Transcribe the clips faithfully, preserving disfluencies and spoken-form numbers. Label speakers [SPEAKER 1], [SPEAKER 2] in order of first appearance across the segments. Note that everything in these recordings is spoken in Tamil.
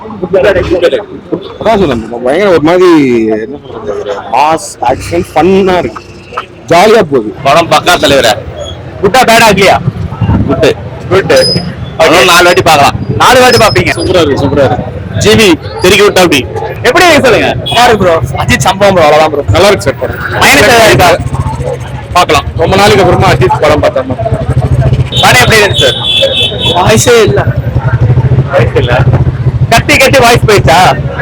[SPEAKER 1] பயங்கர ஒரு மாதிரி என்ன சொல்றது, மாஸ் ஆக்ஷன் ஃபன்னா இருக்கு, ஜாலியா போகுது
[SPEAKER 2] படம். பக்கா தலைவரா. குட்டா பேடா இல்லையா? Good good. நாலு வாட்டி பார்க்கலாம். நாலு வாட்டி பாப்பீங்க.
[SPEAKER 1] சூப்பரா இருக்கு, சூப்பரா இருக்கு.
[SPEAKER 2] ஜிவி திருக்கி விட்டா அப்படி எப்படி இருக்கு சொல்லுங்க.
[SPEAKER 1] பாரு ப்ரோ, அஜித் சம்பவம் ப்ரோ, அவ்வளவுதான் ப்ரோ. நல்லா இருக்கு சார் படம்.
[SPEAKER 2] மைனஸ் ஏதாவது இருக்கா? பார்க்கலாம்.
[SPEAKER 1] ரொம்ப நாளைக்கு அப்புறமா அஜித் படம் பார்த்தோம்.
[SPEAKER 2] படம் எப்படி இருக்கு சார்?
[SPEAKER 1] வாய்ஸே இல்ல,
[SPEAKER 2] வாய்ஸ் இல்ல. கத்தி கத்தி வாய்ஸ் போயிடுச்சா?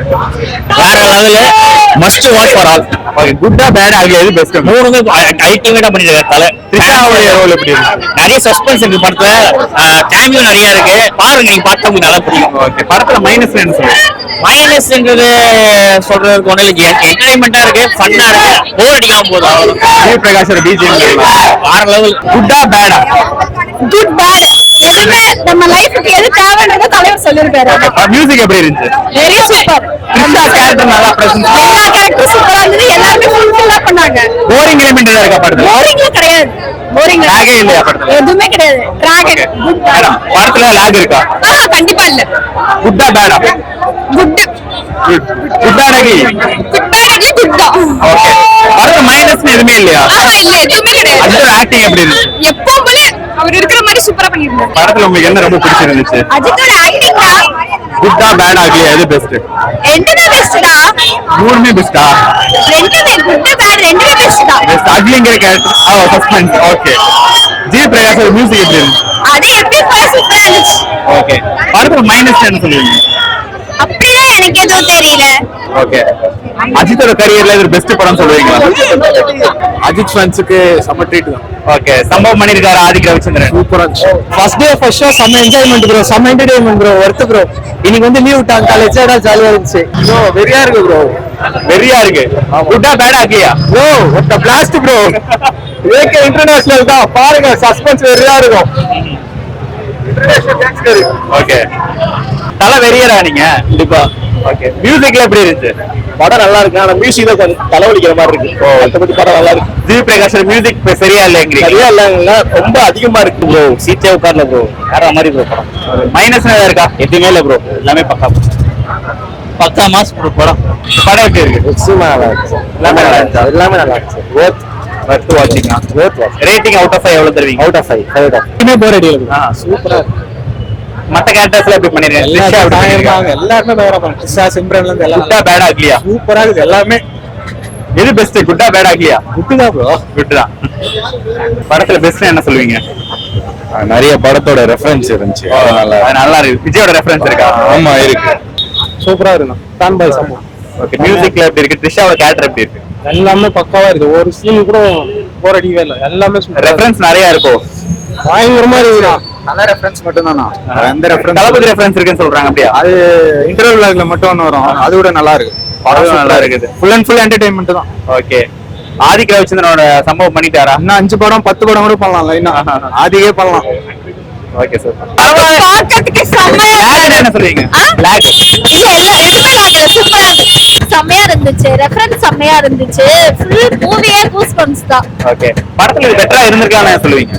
[SPEAKER 2] வேற லெவல்ல. Must watch for all. Okay, குட்டா பேட் ஆகல எது பெஸ்ட்? மூணுமே அல்டிமேட்டா பண்ணிருக்காரு. தல த்ரிஷாவுடைய ரோல் எப்படி இருக்கு? நிறைய சஸ்பென்ஸ் இருக்கு படத்துல. கேமியோ நிறைய இருக்கு. பாருங்க, நீங்க பார்த்தா உங்களுக்கு நல்லா புரியும். ஓகே, படத்துல மைனஸ் என்ன சொல்லுங்க? மைனஸ்ன்றது சொல்றதுக்கு ஒண்ணு இல்ல. என்டர்டைன்மெண்டா இருக்கு, ஃபன்னா இருக்கு, போர் அடிக்காம போகுது. அவ்வளவு. பிரகாஷோட பிஜிஎம் வேற லெவல். குட்டா பேடா?
[SPEAKER 3] குட் பேட் எதுவுமே நம்ம லைஃப்க்கு எது தேவைன்றத தலைவர் சொல்லிருக்காரு.
[SPEAKER 2] மியூசிக் எப்படி இருந்துச்சு?
[SPEAKER 3] Very super.
[SPEAKER 2] த்ரிஷா கேரக்டர் நல்லா பிரசன்ட்.
[SPEAKER 3] எல்லா கேரக்டரும் சூப்பரா இருந்தது. எல்லாரும் ஃபுல்ஃபில் பண்ணாங்க.
[SPEAKER 2] போரிங் எலிமெண்ட் ஏதாவது இருக்கா படத்துல?
[SPEAKER 3] போரிங் கிடையாது. போரிங்
[SPEAKER 2] லாகே இல்லையா படத்துல?
[SPEAKER 3] எதுவுமே கிடையாது. Dragon good bad.
[SPEAKER 2] படத்துல லாக் இருக்கா?
[SPEAKER 3] ஆ கண்டிப்பா இல்ல.
[SPEAKER 2] குட்டா பேடா? குட் குட் பேடாகி
[SPEAKER 3] குட் பேட் குட் தான்.
[SPEAKER 2] ஓகே, படத்துல மைனஸ் எதுவுமே இல்லையா?
[SPEAKER 3] ஆ இல்ல, எதுவுமே கிடையாது.
[SPEAKER 2] அஜித் ஆக்டிங் எப்படி இருந்துச்சு?
[SPEAKER 3] எப்பவுமே அவர் இருக்கிற மாதிரி சூப்பரா பண்ணிருந்தாரு.
[SPEAKER 2] படத்துல உங்களுக்கு என்ன ரொம்ப பிடிச்சிருந்துச்சு?
[SPEAKER 3] அஜித்தோட ஆக்டிங் தான்.
[SPEAKER 2] குட்டா பேடாகி எது பெஸ்ட்?
[SPEAKER 3] ரெண்டுமே பெஸ்ட்டா.
[SPEAKER 2] மூணுமே பெஸ்டா?
[SPEAKER 3] ரெண்டுமே குட் பேட் ரெண்டுமே பெஸ்ட் தான்.
[SPEAKER 2] பெஸ்ட் அக்லிங்கிற கேரக்டர். ஆ சஸ்பென்ஸ். ஓகே, ஜி பிரகாஷோட மியூசிக் எப்படி இருந்துச்சு?
[SPEAKER 3] அது எப்படி சூப்பரா இருந்துச்சு.
[SPEAKER 2] ஓகே, படத்துல மைனஸ் என்ன சொல்லுவீங்க?
[SPEAKER 3] அப்படிதான் எனக்கு எதுவும் தெரியல.
[SPEAKER 2] ஓகே, அஜித்தோட கரியர்ல இது பெஸ்ட் படம் சொல்லுவீங்களா?
[SPEAKER 1] அஜித் ஃபேன்ஸுக்கு செம்ம ட்ரீட் தான்.
[SPEAKER 2] ஓகே, சம்பவம் பண்ணிருக்காரு ஆதிக் ரவிச்சந்திரன்.
[SPEAKER 1] சூப்பரா இருந்துச்சு. ஃபர்ஸ்ட் டே ஃபர்ஸ்ட் ஷோ செம்ம என்ஜாய்மெண்ட் ப்ரோ, செம்ம என்டர்டைன்மெண்ட் ப்ரோ, ஒர்த் ப்ரோ. இன்னைக்கு வந்து லீவ் விட்டாங்க காலேஜ், அதான் ஜாலியா இருந்துச்சு ப்ரோ. வெறியா இருக்கு ப்ரோ,
[SPEAKER 2] வெறியா இருக்கு. குட்டா பேடா இல்லையா
[SPEAKER 1] ப்ரோ? ஒட்ட பிளாஸ்ட் ப்ரோ. ஏகே இன்டர்நேஷனல் தான், பாருங்க சஸ்பென்ஸ் வெறியா இருக்கும்.
[SPEAKER 2] ஓகே, தல வெறியரா நீங்க?
[SPEAKER 1] கண்டிப்பா.
[SPEAKER 2] ஓகே, மியூசிக்ல எப்படி இருந்துச்சு?
[SPEAKER 1] படம் நல்லா இருக்கு, ஆனா மியூசிக் தான் கொஞ்சம் தலைவலிக்கிற மாதிரி இருக்கு. மற்றபடி படம் நல்லா இருக்கு.
[SPEAKER 2] ஜி பிரகாஷ் மியூசிக் சரியா இல்லைங்க?
[SPEAKER 1] சரியா இல்லைங்களா, ரொம்ப அதிகமா இருக்கு ப்ரோ. சீட்டே உட்கார்ல ப்ரோ, வேற மாதிரி ப்ரோ படம்.
[SPEAKER 2] மைனஸ் இருக்கா?
[SPEAKER 1] எதுவுமே இல்லை ப்ரோ, எல்லாமே பக்கா
[SPEAKER 2] பக்கா மாஸ் ப்ரோ படம். படம் எப்படி இருக்கு?
[SPEAKER 1] நல்லா இருக்கு, எல்லாமே நல்லா இருந்துச்சு, எல்லாமே நல்லா இருக்கு. ஒர்த்
[SPEAKER 2] ஒர்த் வாட்சிங்.
[SPEAKER 1] Worth watch.
[SPEAKER 2] Rating out of five எவ்வளவு தருவீங்க?
[SPEAKER 1] Out of five. Five of five. Bore அடிக்கல.
[SPEAKER 2] ஆ
[SPEAKER 1] சூப்பரா இருக்கு.
[SPEAKER 2] மத்த கேரக்டர்ஸ்ல எப்படி பண்ணிருக்காங்க?
[SPEAKER 1] எல்லாருமே பயங்கரமா பண்ணாங்க. த்ரிஷா, சிம்ரன்ல இருந்து எல்லாம்.
[SPEAKER 2] குட்டா பேடா இல்லையா?
[SPEAKER 1] சூப்பரா இருக்கு எல்லாமே.
[SPEAKER 2] எது பெஸ்ட்? குட்டா பேடா இல்லையா?
[SPEAKER 1] குட்டு தான் ப்ரோ.
[SPEAKER 2] குட்டு தான். படத்துல பெஸ்ட் என்ன சொல்லுவீங்க?
[SPEAKER 1] நிறைய படத்தோட ரெஃபரன்ஸ் இருந்துச்சு,
[SPEAKER 2] அதனால நல்லா இருக்கு. விஜயோட ரெஃபரன்ஸ் இருக்கா?
[SPEAKER 1] ஆமா இருக்கு. சூப்பரா இருக்கு. ஃபேன் பாய் சம்பவம்.
[SPEAKER 2] ஓகே, மியூசிக்ல எப்படி இருக்கு? த்ரிஷாவோட கேரக்டர் எப்படி இருக்கு?
[SPEAKER 1] எல்லாமே பக்காவா இருக்கு. ஒரு சீன் கூட போர் அடிக்கவே இல்லை, எல்லாமே
[SPEAKER 2] ரெஃபரன்ஸ் நிறைய இருக்கும்.
[SPEAKER 1] பயங்கரமா இருக்குடா. நல்ல ரெஃபரன்ஸ் மட்டும் தானா? எந்த ரெஃபரன்ஸ்?
[SPEAKER 2] தளபதி ரெஃபரன்ஸ் இருக்குன்னு சொல்றாங்க. அப்படியே
[SPEAKER 1] அது இன்டர்வல் விளாக்ல மட்டும் ஒன்று வரும், அது கூட நல்லா இருக்கு.
[SPEAKER 2] படம் நல்லா இருக்குது.
[SPEAKER 1] ஃபுல் அண்ட் ஃபுல் என்டர்டைன்மெண்ட் தான்.
[SPEAKER 2] ஓகே, ஆதிக் ரவிச்சந்திரனோட சம்பவம் பண்ணிட்டாரா?
[SPEAKER 1] இன்னும் அஞ்சு படம் பத்து படம் கூட பண்ணலாம், லைனா ஆதிக்கே பண்ணலாம்.
[SPEAKER 2] ஓகே சார்,
[SPEAKER 3] பார்க்கிறதுக்கு செம்மையா
[SPEAKER 2] என்ன சொல்றீங்க? லாக்
[SPEAKER 3] இல்ல இல்ல எதுவுமே லாக் சூப்பரா இருந்துச்சு. செம்மையா இருந்துச்சு, ரெஃபரன்ஸ் செம்மையா இருந்துச்சு. ஃபுல் மூவியே கூஸ் பம்ப்ஸ் தான்.
[SPEAKER 2] ஓகே, படத்துல பெட்டரா இருந்திருக்கான்னு சொல்லுவீங்க?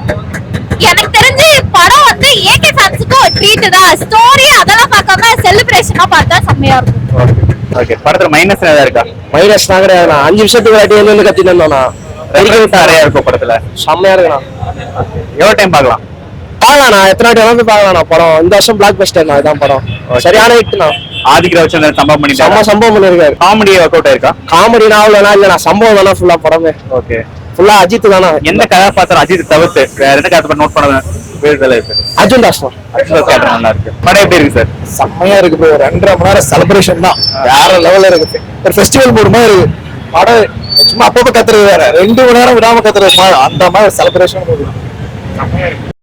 [SPEAKER 3] எனக்கு தெரிஞ்சு படம் வந்து ஏகே ஃபேன்ஸ்க்கு ஒரு ட்ரீட் தான். ஸ்டோரி அதெல்லாம் பார்க்காம செலிப்ரேஷனா பார்த்தா செம்மையா இருக்கும்.
[SPEAKER 2] ஓகே, படத்துல மைனஸ் ஏதாவது இருக்கா?
[SPEAKER 1] மைனஸ் தான் கிடையாது. நான் அஞ்சு நிமிஷத்துக்கு வாட்டி வந்து கத்திட்டு இருந்தோம்னா
[SPEAKER 2] நிறைய இருக்கும் படத்துல.
[SPEAKER 1] செம்மையா இருக்குண்ணா.
[SPEAKER 2] எவ்வளவு டைம் பார்க்கலாம்?
[SPEAKER 1] பாக்கலாண்ணா, எத்தனை வாட்டி வேணாலும் பார்க்கலாம். படம் இந்த வருஷம் பிளாக் பஸ்டர் தான், இதான் படம் சரியான ஹிட்னா.
[SPEAKER 2] ஆதிக் ரவிச்சந்திரன் சம்பவம் பண்ணி
[SPEAKER 1] செம்ம சம்பவம் பண்ணிருக்காரு.
[SPEAKER 2] காமெடி ஒர்க் அவுட் ஆயிருக்கா?
[SPEAKER 1] காமெடி நாவலனா இல்ல, சம்பவம் தானே ஃபுல்லா படமே.
[SPEAKER 2] ஓகே,
[SPEAKER 1] ஃபுல்லா அஜித் தானே.
[SPEAKER 2] எந்த கதாபாத்திரம் அஜித் தவிர்த்து வேற என்ன கதாபாத்திரம் நோட் பண்ண வேண்டியதுல இருக்கு?
[SPEAKER 1] அர்ஜுன் தாஸ் தான்.
[SPEAKER 2] அர்ஜுன் தாஸ் கேரக்டர் நல்லா இருக்கு. படம் எப்படி இருக்கு சார்?
[SPEAKER 1] செம்மையா இருக்கு ப்ரோ. ரெண்டரை மணி நேரம் செலிப்ரேஷன் தான், வேற லெவல்ல இருக்கு. ஒரு ஃபெஸ்டிவல் மூடு மாதிரி இருக்கு படம். சும்மா அப்பப்போ கத்துறது வேற, ரெண்டு மணி நேரம் விடாம கத்துறது அந்த மாதிரி செலிப்ரேஷன்.